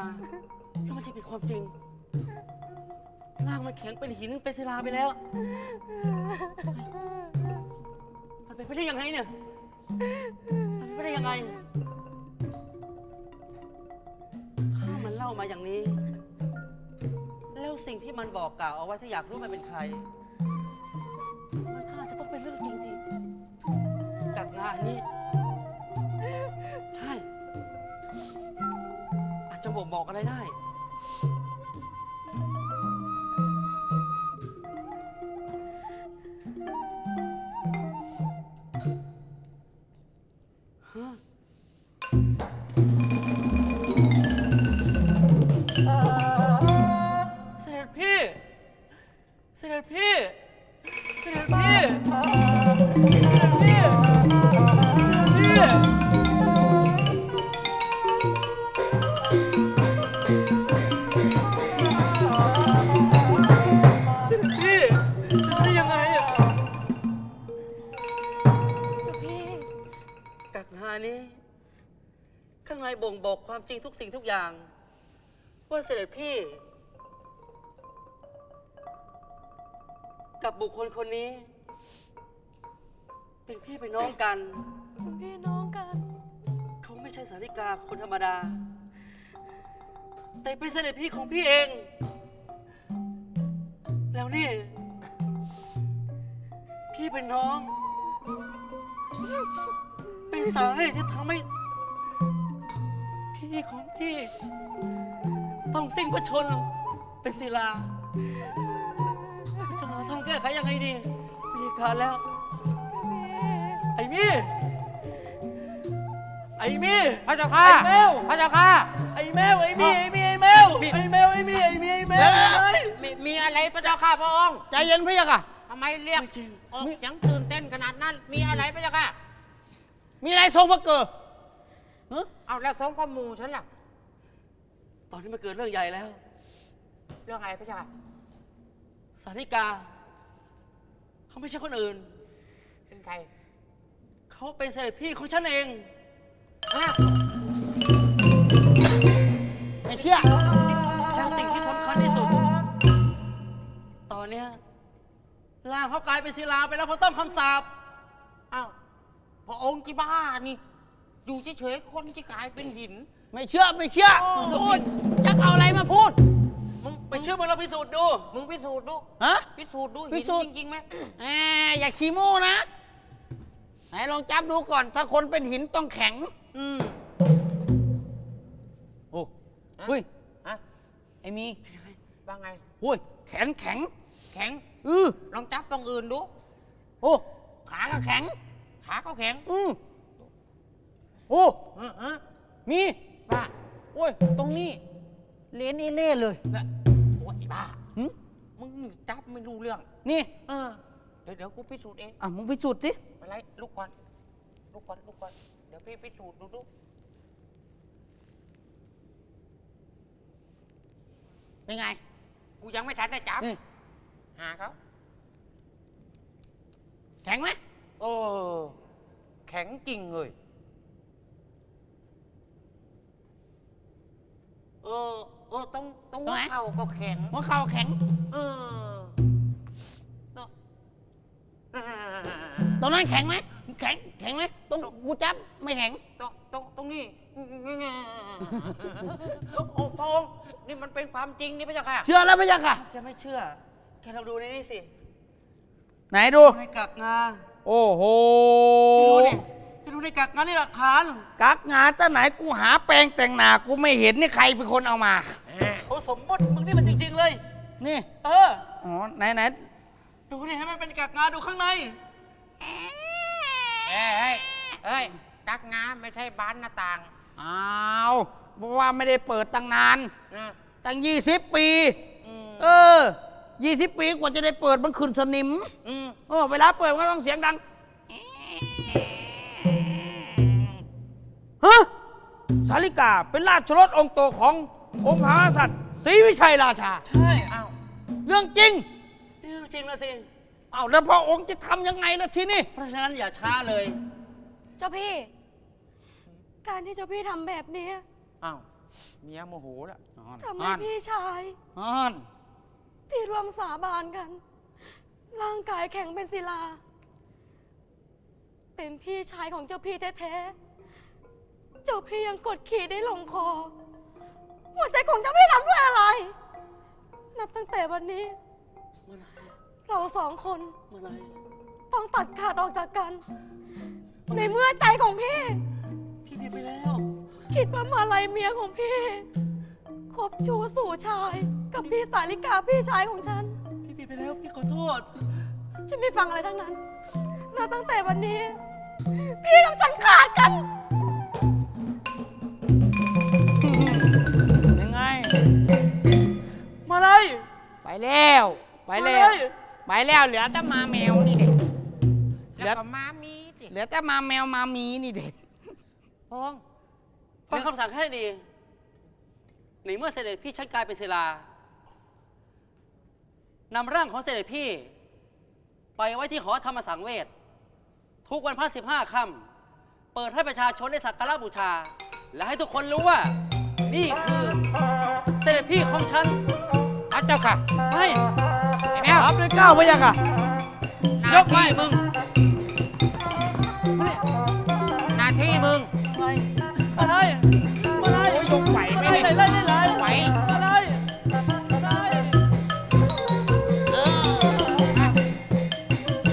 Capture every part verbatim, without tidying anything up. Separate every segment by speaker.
Speaker 1: มาแล้วมันจะเป็นความจริงร่างมันแข็งเป็นหินเป็นศิลาไปแล้วมันเป็นไปได้ยังไงเนี่ยมันเป็นไปได้ยังไงข้ามันเล่ามาอย่างนี้แล้วสิ่งที่มันบอกกล่าวเอาไว้ถ้าอยากรู้มันเป็นใครมันก็อาจจะต้องเป็นเรื่องจริงสิกับงานนี้ใช่อาจจะบอกบอกอะไรได้ฮะเสด็จพี่เสด็จพี่เสด็จพี่เสด็จพี่เสด็จพี่ได้ยังไงอ่ะเจ้าพี่กักหานี้ข้างในบ่งบอกความจริงทุกสิ่งทุกอย่างว่าเสด็จพี่กับบุคคลคนนี้เป็นพี่เป็นน้องกันเป็นพี่น้องกันเขาไม่ใช่สาริกาคนธรรมดาแต่เป็นเสด็จพี่ของพี่เองแล้วนี่พี่เป็นน้องเป็นสาเหตุที่ทำให้พี่ของพี่ต้องสิ้นพระชนม์เป็นศิลาจะหาทางแก้ไขยังไงดีวิธีการแล้วไอ้มี่ไอ้มี่พระเจ้าค่ะไอ้แมวพระเจ้าค่ะไอ้แมวไอ้มี่ไอ้มี่ไอ้แมวไอ้แมวไอ้มี่ไอ้มี่ไอ้แมวมีมีอะไรพระเจ้าค่ะพระองค์ใจเย็นพระเจ้าค่ะทำไมเรียกออกยังตื่นเต้นขนาดนั้นมีอะไรพระเจ้าค่ะมีอะไรทรงพระเกิดเอาแล้วทรงพระมูฉันล่ะตอนนี้มันเกิดเรื่องใหญ่แล้วเรื่องอะไรพระเจ้าค่ะสาริกาเขาไม่ใช่คนอื่นเป็นใครเขาเป็นเสด็จพี่ของฉันเองไม่เชื่อแต่สิ่งที่สำคัญที่สุดตอนเนี้ยร่างเขากลายเป็นศิลาไปแล้วเพราะต้องคำสาปอ้าวพระองค์ที่บ้านี่อยู่เฉยๆคนที่กลายเป็นหินไม่เชื่อไม่เชื่อพูดจะเอาอะไรมาพูดมึงไปเชื่อมึงเราพิสูจน์ดูมึงพิสูจน์ดูฮะพิสูจน์ดูพิสูจน์จริงๆไหมแหมอย่าขี้โม้นะไหนลองจับดูก่อนถ้าคนเป็นหินต้องแข็งอืมโอ้เฮ้ยอะไอ้มีว่าไงโอ้ยแขนแข็งแข็งอือลองจับตรงอื่นดูโอ้ขาก็แข็งขาก็แข็งอือโอ้ฮะมีบ้าโอ้ยตรงนี้เลนเอเล่เลยโอ้ยบ้ามึงจับไม่รู้เรื่องนี่เออเดี๋ยวเดี๋ยวกูพิสูจน์เองอ่ะมึงพิสูจน์สิอะไรลุกก่อนลุกก่อนลุกก่อนเดี๋ยวพี่พิสูจน์ดูดูเป็นไงกูยังไม่ทันได้จับหาเขาแข็งไหมโอ้แข็งจริงเลยเออเออตรงตรงหัวเข่าก็แข็งหัวเข่าแข็งเออตรงนั้นแข็งไหมแข็งแข็งไหมตรงกูจับไม่แข็งตรงตรงตรงนี้โอ้พระองค์นี่มันเป็นความจริงนี่พระเจ้าค่ะเชื่อแล้วพระเจ้าค่ะแกไม่เชื่อแกลองดูในนี่สิไหนดูในกักงาโอ้โหดูดิแกดูในกักงานี่หลักฐานกักงาตั้งไหนกูหาแปรงแต่งหน้ากูไม่เห็นนี่ใครเป็นคนเอามาโอ้สมมติมึงนี่มันจริงๆเลยนี่เอออ๋อไหนไหนดูนี่ให้มันเป็นกักงาดูข้างในเอ้ยเอ้ยกักงาไม่ใช่บานหน้าต่างอ้าวเพราะว่าไม่ได้เปิดตั้งนานตั้งยี่สิบปีเออยี่สิบปีกว่าจะได้เปิดมันขึ้นสนิมเออเวลาเปิดก็ต้องเสียงดังฮะสาริกาเป็นราชรถองค์โตขององค์มหากษัตริย์ศรีวิชัยราชาใช่อ้าวเรื่องจริงเรื่องจริงแล้วสิอ้าวแล้วพระองค์จะทำยังไงล่ะทีนี้เพราะฉะนั้นอย่าช้าเลยเจ้าพี่การที่เจ้าพี่ทำแบบนี้อ้าวเมียโมโหแล้ว
Speaker 2: ทำไมพี่ชาย
Speaker 1: อ่อน
Speaker 2: ที่ร่วมสาบานกัน ร่างกายแข็งเป็นศิลา เป็นพี่ชายของเจ้าพี่แท้ๆ เจ้าพี่ยังกดขี่ได้ลงคอ หัวใจของเจ้าพี่ทำด้วยอะไร นับตั้งแต่วันนี้ เราสองคนต้องตัดขาดออกจากกัน ในเมื่อใจของพี่
Speaker 1: พี่ผิดไปแล้ว
Speaker 2: คิดว่ามาลัยเมียของพี่คบชู้สู่ชาย กับพี่สาลิกาพี่ชายของฉัน
Speaker 1: พี่ผิดไปแล้วพี่ขอโทษ
Speaker 2: ฉันไม่ฟังอะไรทั้งนั้นนับตั้งแต่วันนี้ พี่กับฉันขาดกัน
Speaker 3: ยังไง
Speaker 1: มาเลย
Speaker 3: ไปแล้วไปแล้วไปแล้วเหลือแต่มาแมวนี่เด็กเหลือ
Speaker 1: แล้วก็มามีดิ
Speaker 3: เหลือแต่มาแมวมามีนี่เด็ก
Speaker 1: พงฟังคำสั่งให้ดีในเมื่อเสด็จพี่ชันกลายเป็นศิลานำร่างของเสด็จพี่ ไปไว้ที่หอธรรมสังเวชทุกวันพระสิบห้าค่ำเปิดให้ประชาชนได้สักการะบูชา และให้ทุกคนรู้ว่า นี่คือเสด็จพี่ของฉันพระเจ้าค่ะไปไอ้แมว
Speaker 3: รับด้วยก้าวพะยะค่ะ
Speaker 1: ยกไปมึงหน้าที่มึงมาเลยมาเลย
Speaker 3: โอ้ยยกไหวไหม
Speaker 1: มาเลย
Speaker 3: เนี่ย
Speaker 1: เลยเลยเลย
Speaker 3: ไหว
Speaker 1: มาเลยมาเลย
Speaker 3: เออ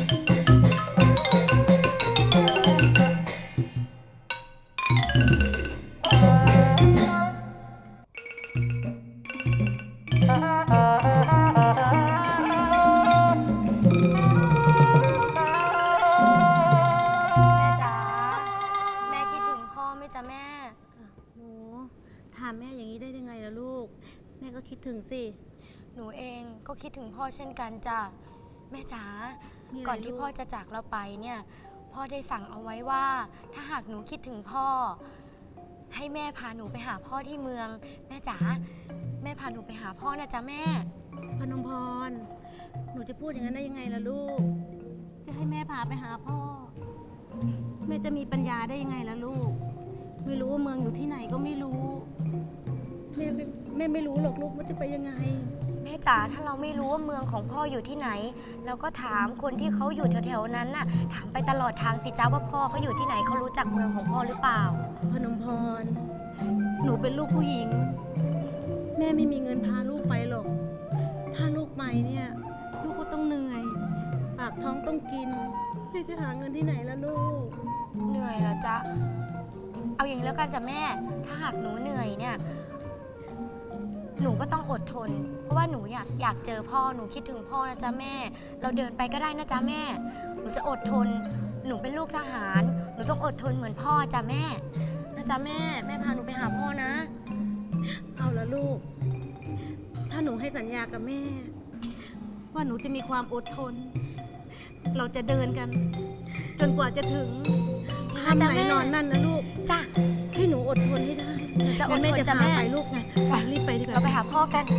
Speaker 2: แม่จ๋าแม่คิดถึงพ่อไหมจ๊ะแม่
Speaker 4: หนูถามแม่อย่างนี้ได้ยังไงล่ะลูก แม่ก็คิดถึงสิ
Speaker 2: หนูเองก็คิดถึงพ่อเช่นกันจ้ะแม่จ๋า
Speaker 4: มีอะไร
Speaker 2: ก่อนที่
Speaker 4: ลูก
Speaker 2: พ่อจะจากเราไปเนี่ย พ่อได้สั่งเอาไว้ว่า ถ้าหากหนูคิดถึงพ่อ ให้แม่พาหนูไปหาพ่อที่เมือง แม่จ๋าแม่พาหนูไปหาพ่อนะจ๊ะแม่
Speaker 4: พนมพร หนูจะพูดอย่างนั้นได้ยังไงล่ะลูก จะให้แม่พาไปหาพ่อ แม่จะมีปัญญาได้ยังไงล่ะลูก ไม่รู้ว่าเมืองอยู่ที่ไหนก็ไม่รู้ แม่ไม่แม่ไม่รู้หรอกลูกว่าจะไปยังไง
Speaker 2: แม่จ๋าถ้าเราไม่รู้ว่าเมืองของพ่ออยู่ที่ไหน เราก็ถามคนที่เขาอยู่แถวๆนั้นน่ะ ถามไปตลอดทางสิจ้าว่าพ่อเขาอยู่ที่ไหนเขารู้จักเมืองของพ่อหรือเปล่า
Speaker 4: พนมพร หนูเป็นลูกผู้หญิง แม่ไม่มีเงินพาลูกไปหรอก ถ้าลูกไปเนี่ย ลูกก็ต้องเหนื่อย ปากท้องต้องกินแม่จะหาเงินที่ไหนล่ะลูก
Speaker 2: เหนื่อยเหรอจ๊ะ เอาอย่างนี้แล้วกันจ้ะแม่ ถ้าหากหนูเหนื่อยเนี่ย หนูก็ต้องอดทน เพราะว่าหนูอยากอยากเจอพ่อ หนูคิดถึงพ่อนะจ๊ะแม่ เราเดินไปก็ได้นะจ๊ะแม่ หนูจะอดทน หนูเป็นลูกทหาร หนูต้องอดทนเหมือนพ่อจ้ะแม่ นะจ๊ะแม่ แม่พาหนูไปหาพ่อนะ
Speaker 4: เอาละลูก ถ้าหนูให้สัญญากับแม่ ว่าหนูจะมีความอดทน เราจะเดินกัน จนกว่าจะถึง
Speaker 2: จริงๆนะ
Speaker 4: ค่ำ
Speaker 2: จ๊ะ
Speaker 4: ไหน
Speaker 2: แม่
Speaker 4: นอนนั่นนะลูก
Speaker 2: จ้ะ
Speaker 4: ให้หนูอดทนให้ได้
Speaker 2: หนูจะอดทน
Speaker 4: งั้นแม่จะ
Speaker 2: จ้ะ
Speaker 4: พา
Speaker 2: แม่
Speaker 4: ไปลูกไงไปรีบไปดีกว่า
Speaker 2: เราไปหาพ่อกัน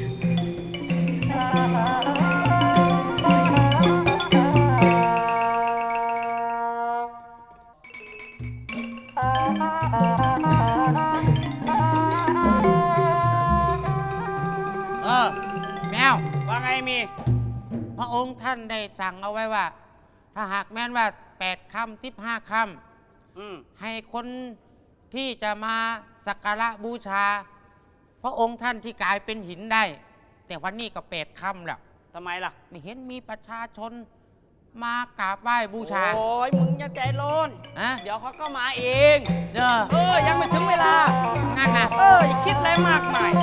Speaker 1: เออแมว
Speaker 3: ว่าไงมี
Speaker 1: พระองค์ท่านได้สั่งเอาไว้ว่า ถ้าหากแม้นว่าแปดค่ำสิบห้าค่
Speaker 3: อืม
Speaker 1: ำให้คนที่จะมาสักการะบูชา พระองค์ท่านที่กลายเป็นหินได้ แต่วันนี้ก็แปดค่ำแล้ว
Speaker 3: ทำไมล่ะ
Speaker 1: ไม่เห็นมีประชาชนมากราบไหว้บูชา
Speaker 3: โอ้ยมึงอย่าใจร้อน
Speaker 1: ฮะ
Speaker 3: เดี๋ยวเขาก็มาเอง
Speaker 1: เด้อ
Speaker 3: เออ ยังไม่ถึงเวลา
Speaker 1: งั้นนะ
Speaker 3: เออ อย่าคิดอะไรมากมาย
Speaker 2: เหร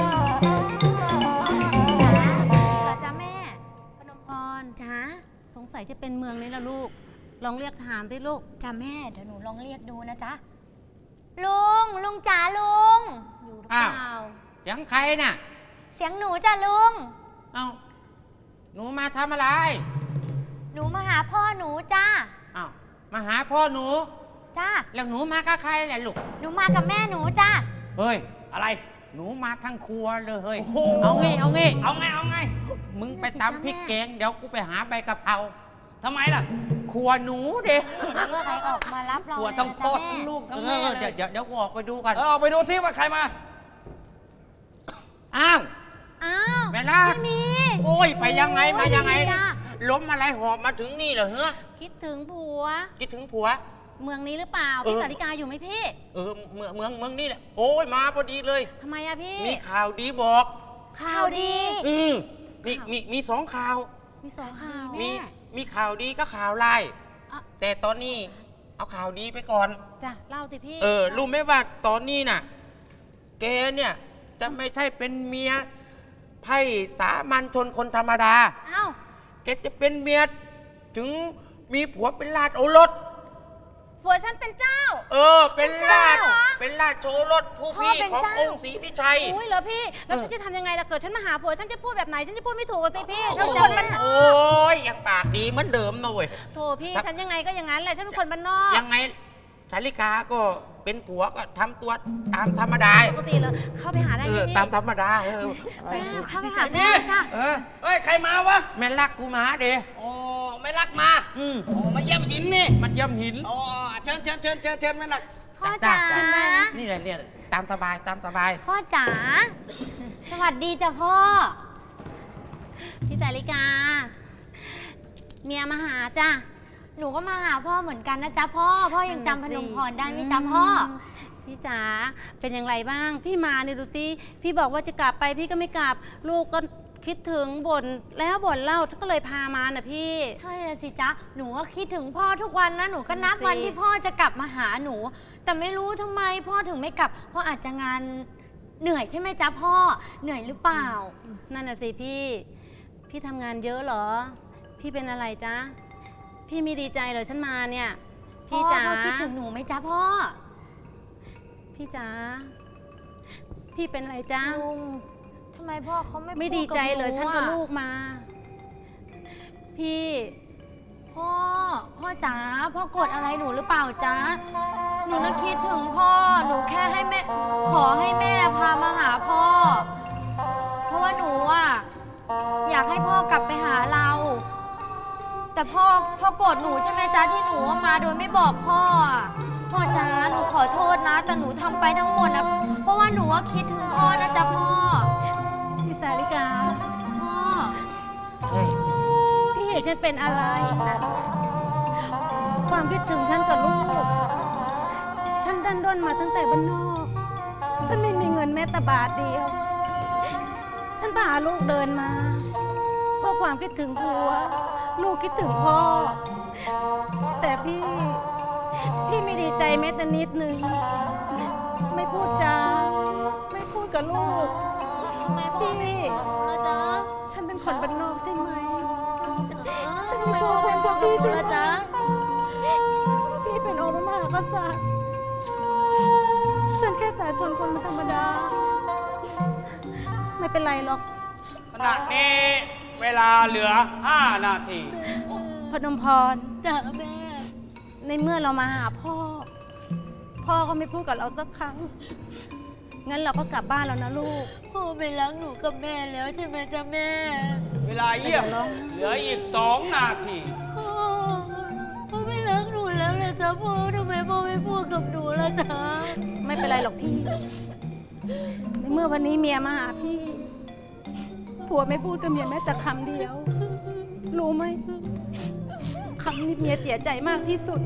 Speaker 2: อจ๊ะแม่
Speaker 4: พนมพร
Speaker 2: จ้า
Speaker 4: สงสัยจะเป็นเมืองนี้ละลูก ลองเรียกถามดิลูก
Speaker 2: จ้าแม่ เดี๋ยวหนูลองเรียกดูนะจ๊ะ ลุง ลุงจ๋าลุง
Speaker 4: อยู่หรือ
Speaker 1: อ้า
Speaker 4: เป
Speaker 1: ว
Speaker 4: ล่า
Speaker 1: เสียงใครน่ะ
Speaker 2: เสียงหนูจ้ะลุง
Speaker 1: เอ้าหนูมาทำอะไร
Speaker 2: หนูมาหาพ่อหนูจ้า
Speaker 1: อ้าวมาหาพ่อหนู
Speaker 2: จ้า
Speaker 1: แล้วหนูมากับใครแหละลูก
Speaker 2: หนูมากับแม่หนูจ้า
Speaker 1: เฮ้ย
Speaker 3: อะไร
Speaker 1: หนูมาทั้งครัวเลยเฮ้ย
Speaker 3: โอ้โห
Speaker 1: เอางี้เอางี้
Speaker 3: เอาไง เอาไง
Speaker 1: มึงไปตำพริกแกงเดี๋ยวกูไปหาใบกะเพรา
Speaker 3: ทำไมล่ะ
Speaker 1: ครัวหนูเด็ก
Speaker 2: ใครออกมารับเรา
Speaker 3: หัว
Speaker 2: เลย
Speaker 3: ทั้ง
Speaker 2: นะ
Speaker 3: พ่
Speaker 2: จ๊ะ
Speaker 3: อ
Speaker 2: แม่
Speaker 3: ทั้งลูกทั้ง
Speaker 1: เอ
Speaker 3: แม่
Speaker 1: อ
Speaker 3: เล
Speaker 1: เดี๋ยวย เดี๋ยวเดี๋ยวกูออกไปดูก่อน
Speaker 3: เออออกไปดูที่ว่าใครมา
Speaker 1: อ้าว
Speaker 4: อ้าว
Speaker 1: แม่ลัก
Speaker 4: พี่มี
Speaker 1: โอ้ยไปยังไงมายังไง
Speaker 2: จ้า
Speaker 1: ล้มอะไรหอบมาถึงนี่เหรอเฮ้อ
Speaker 4: คิดถึงผัว
Speaker 1: คิดถึงผัว
Speaker 4: เมืองนี้หรือเปล่า
Speaker 1: เออ
Speaker 4: พี่สาริกาอยู่ไหมพี่
Speaker 1: เออเมืองเมืองเมืองนี่แหละโอ้ยมาพอดีเลย
Speaker 4: ทำไมอะพี่
Speaker 1: มีข่าวดีบอก
Speaker 4: ข่าวดี
Speaker 1: อืมมีมีมีสองข่าว
Speaker 4: มีสองข่าว
Speaker 1: มีมีข่าวดีก็ข่าวร้าย
Speaker 2: อ่ะ
Speaker 1: แต่ตอนนี้เอาข่าวดีไปก่อน
Speaker 4: จ้ะเล่าสิพี่
Speaker 1: เออรู้ไหมว่าตอนนี้น่ะแกเนี่ยจะไม่ใช่เป็นเมียไพ่สามัญชนคนธรรมดา
Speaker 4: เอ้า
Speaker 1: แกจะเป็นเมียถึงมีผัวเป็นราชโอรส
Speaker 4: ผัวฉันเป็นเจ้า
Speaker 1: เออ เป็นราช
Speaker 4: เป็นเจ้าเหรอ
Speaker 1: เป็นราชโอรสผู้
Speaker 2: พ่อ
Speaker 1: พี่
Speaker 2: เป็น
Speaker 1: ของ
Speaker 2: เจ้า
Speaker 1: องค์ศรีพิชัย
Speaker 4: อุ้ยเหรอพี่ แล้ว
Speaker 1: เออ
Speaker 4: ฉันจะทำยังไงล่ะเกิดฉันมาหาผัวฉันจะพูดแบบไหนฉันจะพูดไม่ถูกอะสิพี่ฉัน
Speaker 1: โอ้
Speaker 4: เป็นคนบ้านนอก
Speaker 1: โอ้ยยังปากดีเหมือนเดิมนะเว้ย
Speaker 4: โถพี่ฉันยังไงก็อย่างนั้นแหละฉันเป็นคนบ้านนอก
Speaker 1: ยังไงสาริกาก็เป็นผัวก็ทำตัวตามธรรมดา
Speaker 4: ปกติเลยเข้าไปหาได้
Speaker 1: เอ
Speaker 4: ไหม
Speaker 1: อ
Speaker 4: พี่
Speaker 1: ตามธรรมดาเออ
Speaker 2: แม่เข้าไปหาพ่อจ้า
Speaker 1: เออ
Speaker 3: เฮ้ย ใครมาวะ
Speaker 1: แม่รักกูมาเด้
Speaker 3: โอ้ไม่รักมา
Speaker 1: อืม
Speaker 3: โอ้มาเยี่ยมหินนี่
Speaker 1: มันย่ำหิน
Speaker 3: โอ้เชิญเชิญเชิญเชิญเชิญไม่รัก
Speaker 2: พ่อจ๋า
Speaker 1: นี่แหละเนี่ยตามสบายตามสบาย
Speaker 2: พ่อจ๋า สวัสดีจ้ะพ่อ
Speaker 4: พี่สาริกา เมียมาหาจ้ะ
Speaker 2: หนูก็มาหาพ่อเหมือนกันนะจ๊ะพ่อ พ่อยังจำพนมพรได้ไหมจ๊ะพ่อ
Speaker 4: พี่จ๋าเป็นอย่างไรบ้าง พี่มาเนี่ยดูสิพี่บอกว่าจะกลับไปพี่ก็ไม่กลับ ลูกก็คิดถึงบ่นแล้วบ่นเล่าก็เลยพามาน่ะพี่
Speaker 2: ใช่เลยสิจ๊ะ หนูก็คิดถึงพ่อทุกวันนะ หนูก็นับ
Speaker 4: สิ
Speaker 2: วันที่พ่อจะกลับมาหาหนู แต่ไม่รู้ทำไมพ่อถึงไม่กลับ เพราะอาจจะงานเหนื่อยใช่ไหมจ๊ะพ่อ เหนื่อยหรือเปล่า
Speaker 4: นั่นน่ะสิพี่ พี่ทำงานเยอะเหรอ พี่เป็นอะไรจ๊ะ พี่ไม่ดีใจเหรอฉันมาเนี่ย พี่จ๋า
Speaker 2: พ่อพ่อคิดถึงหนูไหมจ๊ะพ่อ
Speaker 4: พี่จ๋า พี่เป็นอะไรจ๊ะ
Speaker 2: ลุงทำไมพ่อเขาไม่
Speaker 4: ไม่
Speaker 2: พู
Speaker 4: ดีใจ
Speaker 2: บ
Speaker 4: เหรอ
Speaker 2: นู
Speaker 4: ฉันกับ
Speaker 2: อะ
Speaker 4: ลูกมา พี่
Speaker 2: พ่อ พ่อจ๋า พ่อกดอะไรหนูหรือเปล่าจ๊ะ หนูน่ะคิดถึงพ่อ หนูแค่ให้แม่ ขอให้แม่พามาหาพ่อ เพราะว่าหนูอ่ะอยากให้พ่อกลับไปหาเรา แต่พ่อ พ่อโกรธหนูใช่ไหมจ๊ะที่หนูมาโดยไม่บอกพ่ออะพ่อจ๋า หนูขอโทษนะ แต่หนูทำไปทั้งหมดนะ เพราะว่าหนูว่าคิดถึงพ่อนะจ๊ะพ่อ
Speaker 4: พี่สาริกา
Speaker 2: พ่อ
Speaker 1: เฮ้ย
Speaker 4: พี่เห็นฉันเป็นอะไร ความคิดถึงฉันกับลูก ฉันดันด้นมาตั้งแต่บ้านนอก ฉันไม่มีเงินแม้แต่บาทเดียว ฉันพาลูกเดินมา เพราะความคิดถึงผัว ลูกคิดถึงพ่อ แต่พี่ พี่ไม่ดีใจแม้แต่นิดนึง ไม่พูดจา ไม่พูดกับลูก พี่
Speaker 2: นะจ๊ะ
Speaker 4: ฉันเป็นคนบ้านนอกใช่ไหม ฉัน
Speaker 2: ทำไม
Speaker 4: ไม่
Speaker 2: พ่อ
Speaker 4: คว
Speaker 2: ไม่
Speaker 4: ร
Speaker 2: พูด
Speaker 4: กับ
Speaker 2: กับ
Speaker 4: พี่
Speaker 2: หนู
Speaker 4: ใช่ไหม
Speaker 2: ล่ะจ๊ะ
Speaker 4: พี่เป็นองค์พระมหากษัตริย์ ฉันแค่สาชนคนธรรมดา ไม่เป็นไรหรอก
Speaker 3: ขณะนี้เวลาเหลือห้านาที
Speaker 4: พนมพร
Speaker 2: จ้ะแม่
Speaker 4: ในเมื่อเรามาหาพ่อ พ่อก็ไม่พูดกับเราสักครั้ง งั้นเราก็กลับบ้านแล้วนะลูก
Speaker 2: พ่อไม่รักหนูกับแม่แล้วใช่ไหมจ๊ะแม่
Speaker 3: เวลาเยี่ยมเหลืออีกสองนาที
Speaker 2: พ่อ พ่อไม่รักหนูแล้วเลยจ๊ะพ่อทำไมพ่อไม่พูดกับหนูล่ะจ๊ะ
Speaker 4: ไม่เป็นไรหรอกพี่ ในเมื่อวันนี้เมียมาหาพี่ ผัวไม่พูดกับเมียแม้แต่คำเดียว รู้ไหมคำนี้เมียเสียใจมากที่สุด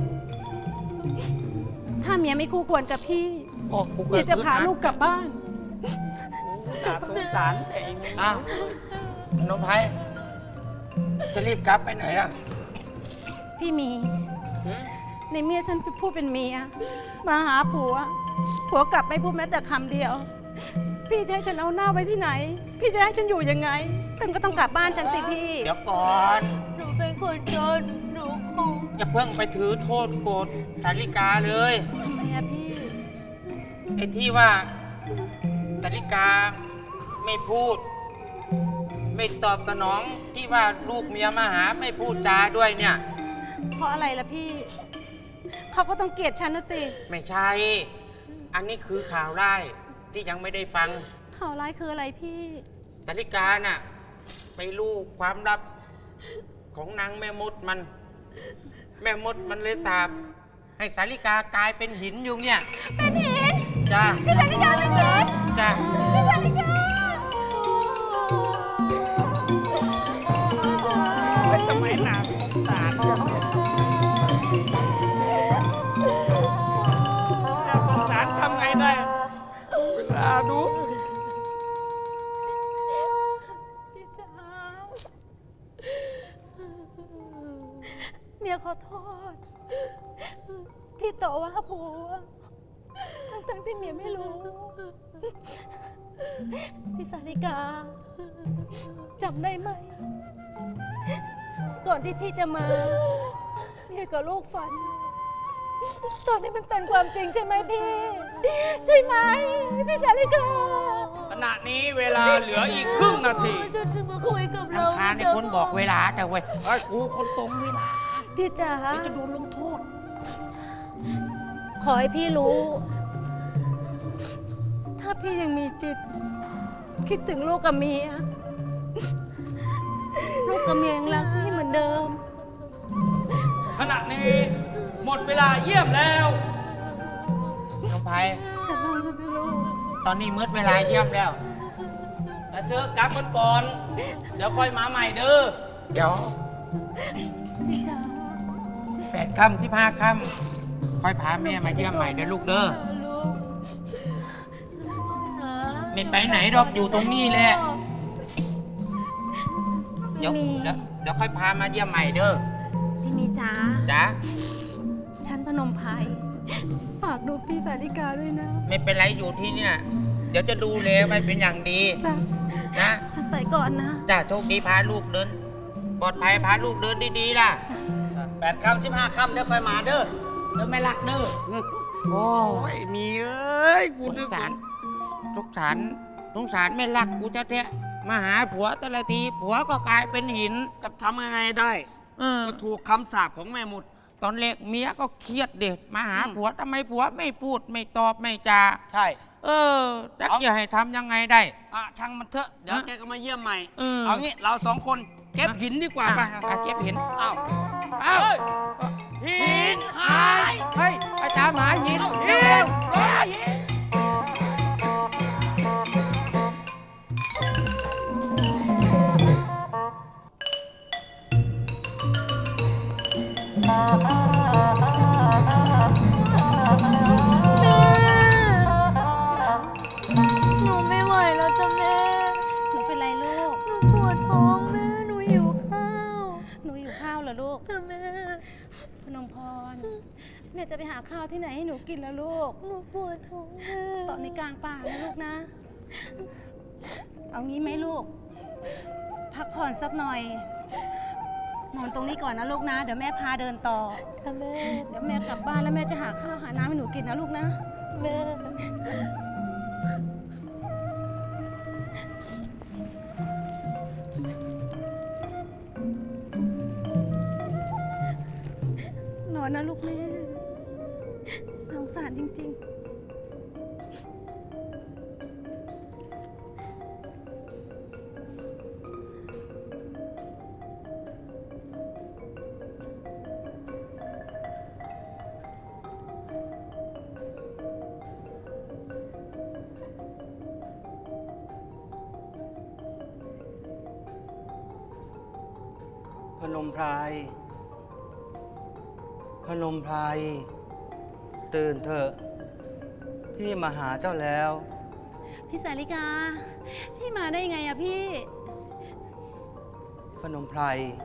Speaker 4: ถ้าเมียไม่คู่ควรกับพี่
Speaker 1: โอ้กู
Speaker 4: เมี
Speaker 1: เกิ
Speaker 4: ย
Speaker 1: ด
Speaker 4: จะพาลูกกลับบ้าน
Speaker 3: น่าสงสารแต่เอง
Speaker 1: อ้าวพนมไพรจะรีบกลับไปไหนล่ะ
Speaker 4: พี่มี ในเมียฉันไปพูดเป็นเมีย มาหาผัว ผัวกลับไม่พูดแม้แต่คำเดียว พี่จะให้ฉันเอาหน้าไว้ที่ไหน พี่จะให้ฉันอยู่ยังไง ฉันก็ต้องกลับบ้านฉันสิพี่
Speaker 1: เดี๋ยวก่อน
Speaker 2: หนูเป็นคนจน หนูคง
Speaker 1: อย่าเพิ่งไปถือโทษโกรธสาริกาเลย
Speaker 4: ทำไมอะพี่
Speaker 1: ไอ้ที่ว่าสาริกาไม่พูด ไม่ตอบสนองที่ว่าลูกเมียมาหาไม่พูดจาด้วยเนี่ย
Speaker 4: เพราะอะไรล่ะพี่ เขาก็ต้องเกลียดฉันนะสิ
Speaker 1: ไม่ใช่ อันนี้คือข่าวร้ายที่ยังไม่ได้ฟัง
Speaker 4: ข่าวร้ายคืออะไรพี่
Speaker 1: สาริกาน่ะไปรู้ความลับของนางแม่มดมัน แม่มดมันเลยสาบให้สาริกากลายเป็นหินอยู่เนี่ย
Speaker 4: เป็นหิน
Speaker 1: จ้า
Speaker 4: พี่สาริกาเป็นหิน
Speaker 1: จ้า
Speaker 4: พี่สาริกาผัวทั้งๆที่เมียไม่รู้ พี่สาริกาจำได้ไหม ก่อนที่พี่จะมาเมียกับลูกฝัน ตอนนี้มันเป็นความจริงใช่ไหมพี่ ใช่ไหมพี่สาริกา
Speaker 3: ขณะนี้เวลาเหลืออีกครึ่งนาที
Speaker 4: จะจะมาคุยกับเรา
Speaker 3: รำคาญในคนบอกเวลาแต่เว้ยไอ้ยกูคนตรงเวลา
Speaker 4: พี่จ๋า
Speaker 3: เดี๋ยวจะโดนลงโทษ
Speaker 4: ขอให้พี่รู้ ถ้าพี่ยังมีจิต คิดถึงลูกกับเมีย ลูกกับเมียยังรักพี่เหมือนเดิม
Speaker 3: ขณะนี้หมดเวลาเยี่ยมแล้วน้องไพ
Speaker 4: จะนอนกันไปลูก
Speaker 3: ตอนนี้มืดเวลาเยี่ยมแล้วแต่เธอกักมันก่อน เดี๋ยวค่อยมาใหม่เด้อ เดี๋ยว
Speaker 4: พี่จ๋า
Speaker 3: แปดค่ำที่ห้าค่ำค่อยพาแม่มาเยี่ยมใหม่เด้อลูกเด้อ
Speaker 4: ลูกจ๋า
Speaker 3: ไม่ไปไหนดอกอยู่ตรงนี้แหละ เดี๋ยว
Speaker 4: พี่มี
Speaker 3: เดี๋ยวเดี๋ยวค่อยพามาเยี่ยมใหม่เด้อ
Speaker 4: พี่มีจ๋า
Speaker 3: จ้ะ
Speaker 4: ฉันพนมไพรฝากดูพี่สาริกาด้วยนะ
Speaker 3: ไม่เป็นไรอยู่ที่เนี่ย เดี๋ยวจะดูแลไว้เป็นอย่างดี
Speaker 4: จ้ะ
Speaker 3: นะ
Speaker 4: ฉันไปก่อนนะ
Speaker 3: จ้าโชคดีพาลูกเดิน ปลอดภัยพาลูกเดินดีๆล่ะแปดค่ำสิบห้าค่ำเดี๋ยวค่อยมาเด้อเดี๋ยวไม่รักเด้อโอ้ยมีเอ้ยกูสงสารสงสารสงสารไม่รักกูจะแท้มาหาผัวแต่ละทีผัวก็กลายเป็นหิน
Speaker 5: ก็ทำยังไงได้
Speaker 3: เออ
Speaker 5: ก็ถูกคำสาปของแม่หมด
Speaker 3: ตอนแรกเมียก็เครียดเด็กมาหาผัวทำไมผัวไม่พูดไม่ตอบไม่จา
Speaker 5: ใช่
Speaker 3: เออจัก
Speaker 5: เอา
Speaker 3: จะให้ทำยังไงได้
Speaker 5: อ่ะช่างมันเถอะ เดี๋ยว
Speaker 3: ฮะ
Speaker 5: แกก็มาเยี่ยมใหม่
Speaker 3: เออ
Speaker 5: เอางี้เราสองคนเก็บหินดีกว่าไป
Speaker 3: อ่ะอ่ะเก็บหิน
Speaker 5: อ้าว
Speaker 3: เอ้า
Speaker 5: หินหาย
Speaker 3: เฮ้ยอาจารย์หาหิน
Speaker 5: หิ
Speaker 3: เร็วน
Speaker 5: หายหิน
Speaker 2: หนูไม่ไหวแล้วจ้ะแม่
Speaker 4: หนูเป็นไรลูก
Speaker 2: หนูปวดท้องแม่ หนูหิวข้าว
Speaker 4: หนูอยู่ข้าวเหรอลูก
Speaker 2: จ้ะแม่
Speaker 4: พนมพร แม่จะไปหาข้าวที่ไหนให้หนูกินแล้วลูก
Speaker 2: หนูปวดท้องแม่
Speaker 4: ตอนนี้กลางป่านะลูกนะ เอางี้ไหมลูก พักผ่อนสักหน่อย นอนตรงนี้ก่อนนะลูกนะ เดี๋ยวแม่พาเดินต่อ
Speaker 2: จ้ะแม่
Speaker 4: เดี๋ยวแม่กลับบ้านแล้วแม่จะหาข้าวหาน้ำให้หนูกินนะลูกนะ
Speaker 2: แม่
Speaker 4: นอนนะลูกแม่สงสารจริง ๆ
Speaker 1: พนมไพร พนมไพร ตื่นเถอะ พี่มาหาเจ้าแล้ว
Speaker 4: พี่สาริกา พี่มาได้ยังไงอะพี่
Speaker 1: พนมไพร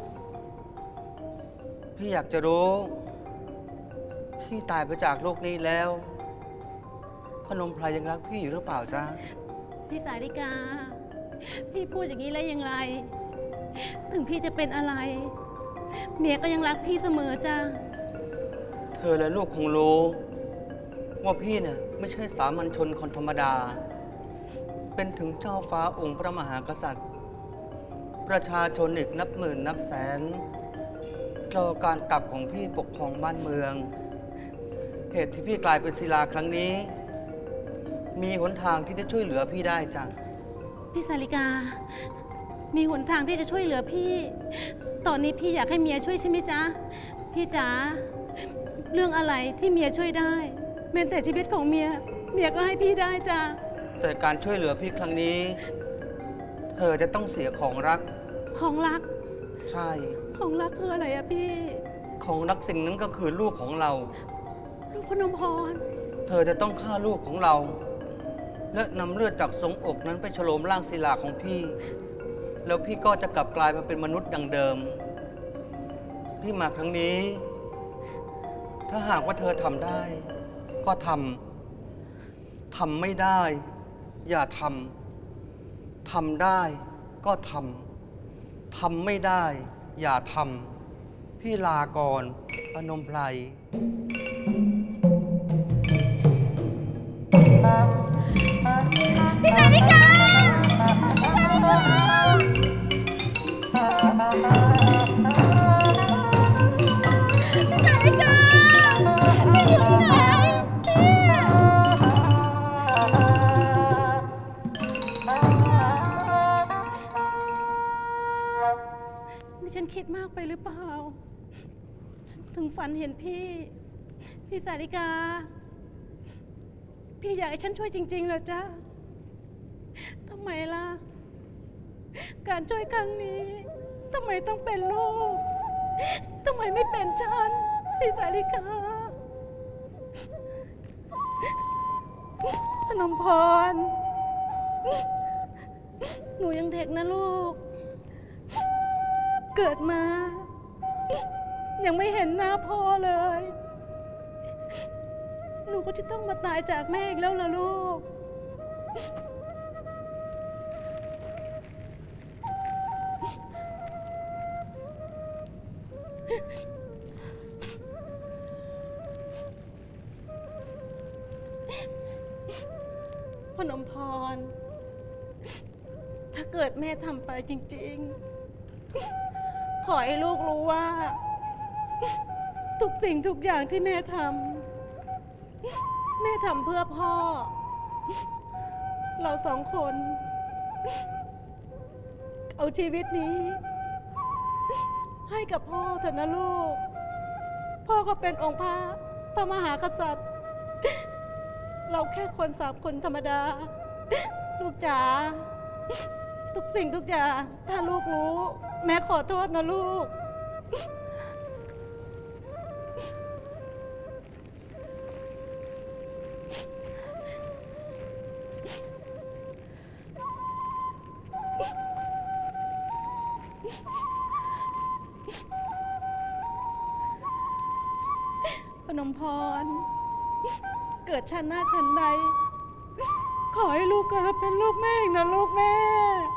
Speaker 1: พี่อยากจะรู้ พี่ตายไปจากโลกนี้แล้ว พนมไพรยังรักพี่อยู่หรือเปล่าจ๊ะ
Speaker 4: พี่สาริกา พี่พูดอย่างนี้แล้วยังไง ถึงพี่จะเป็นอะไร เมียก็ยังรักพี่เสมอจ้า
Speaker 1: เธอและลูกคงรู้ ว่าพี่เนี่ยไม่ใช่สามัญชนคนธรรมดา เป็นถึงเจ้าฟ้าองค์พระมหากษัตริย์ ประชาชนอีกนับหมื่นนับแสนรอการกลับของพี่ปกครองบ้านเมือง เหตุที่พี่กลายเป็นศิลาครั้งนี้ มีหนทางที่จะช่วยเหลือพี่ได้จ้ะ
Speaker 4: พี่สาริกา มีหนทางที่จะช่วยเหลือพี่ ตอนนี้พี่อยากให้เมียช่วยใช่ไหมจ๊ะ พี่จ๋า เรื่องอะไรที่เมียช่วยได้ แม้แต่ชีวิตของเมีย เมียก็ให้พี่ได้จ้ะ
Speaker 1: แต่การช่วยเหลือพี่ครั้งนี้ เธอจะต้องเสียของรัก
Speaker 4: ของรัก
Speaker 1: ใช่
Speaker 4: ของรักคืออะไรอะพี่
Speaker 1: ของรักสิ่งนั้นก็คือลูกของเรา
Speaker 4: ลูกพนมพร
Speaker 1: เธอจะต้องฆ่าลูกของเรา และนำเลือดจากทรงอกนั้นไปฉโลมร่างศิลาของพี่ แล้วพี่ก็จะกลับกลายมาเป็นมนุษย์ดังเดิม พี่มาครั้งนี้ ถ้าหากว่าเธอทำได้ก็ทำทำไม่ได้ อย่าทำทำได้ก็ทำทำไม่ได้ อย่าทำพี่ลาก่อนพนมไพร
Speaker 4: พี่สาริกาพี่สาริกาพี่อยู่ไหนนี่ฉันคิดมากไปหรือเปล่า ฉันถึงฝันเห็นพี่ พี่สาริกา พี่อยากให้ฉันช่วยจริงๆเหรอจ๊ะ ทำไมล่ะ การช่วยครั้งนี้ ทำไมต้องเป็นลูก ทำไมไม่เป็นฉัน พี่สาริกา พนมพร หนูยังเด็กนะลูก เกิดมา ยังไม่เห็นหน้าพ่อเลย หนูก็จะต้องมาตายจากแม่อีกแล้วล่ะลูก พนมพร ถ้าเกิดแม่ทำไปจริงๆ ขอให้ลูกรู้ว่า ทุกสิ่งทุกอย่างที่แม่ทำ แม่ทำเพื่อพ่อ เราสองคน เอาชีวิตนี้ ให้กับพ่อเถอะนะลูก พ่อก็เป็นองค์พระพระมหากษัตริย์ เราแค่คนสามคนธรรมดา ลูกจ๋า ทุกสิ่งทุกอย่าง ถ้าลูกรู้ แม่ขอโทษนะลูก พนมพร เกิดชาติหน้าชั้นใด ขอให้ลูกเกิดมาเป็นลูกแม่อีกนะลูกแม่